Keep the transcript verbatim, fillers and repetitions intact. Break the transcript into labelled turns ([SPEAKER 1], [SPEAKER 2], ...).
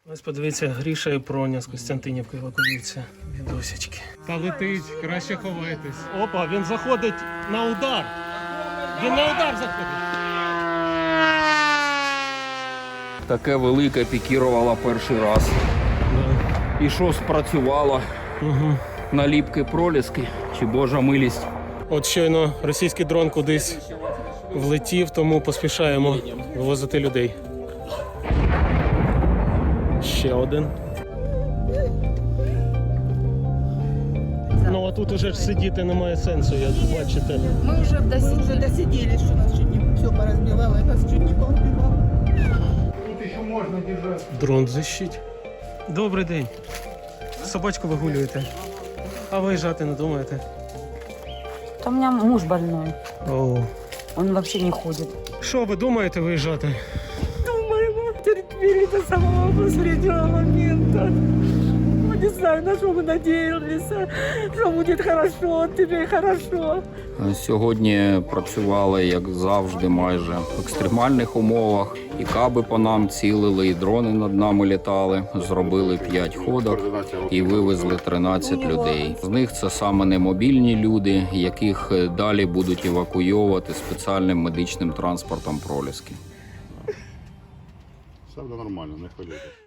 [SPEAKER 1] Ось подивіться, Гріша і Проня з Костянтинівки евакуюються. Бідосечки. Та летить, краще ховайтесь. Опа, він заходить на удар. Він на удар заходить.
[SPEAKER 2] Таке велике пікірувало перший раз.
[SPEAKER 1] Да.
[SPEAKER 2] І що спрацювало?
[SPEAKER 1] Угу.
[SPEAKER 2] Наліпки проліски чи божа милість?
[SPEAKER 1] От щойно російський дрон кудись влетів, тому поспішаємо вивозити людей. Ще один. Ну а тут уже ж сидіти немає сенсу, як бачите.
[SPEAKER 3] Мы уже досидели.
[SPEAKER 4] Уже досиделись, что нас чуть не все поразбивало, и нас чуть не поубивало. Тут еще можно держать.
[SPEAKER 1] Дрон защить. Добрий день. Собачку вигулюєте. А виїжджати не думаєте?
[SPEAKER 5] У меня муж больной.
[SPEAKER 1] О.
[SPEAKER 5] Он вообще не ходит.
[SPEAKER 1] Що ви думаєте виїжджати?
[SPEAKER 5] Думаем, терпели до самого последнего момента. Ну, не знаю, на что мы надеялись, что будет хорошо, тебе хорошо.
[SPEAKER 2] Сьогодні працювали, як завжди, майже в екстремальних умовах. І каби по нам цілили, і дрони над нами літали. Зробили п'ять ходок і вивезли тринадцять людей. З них це саме немобільні люди, яких далі будуть евакуйовувати спеціальним медичним транспортом проліски.
[SPEAKER 6] Все буде нормально, не хвилюйтесь.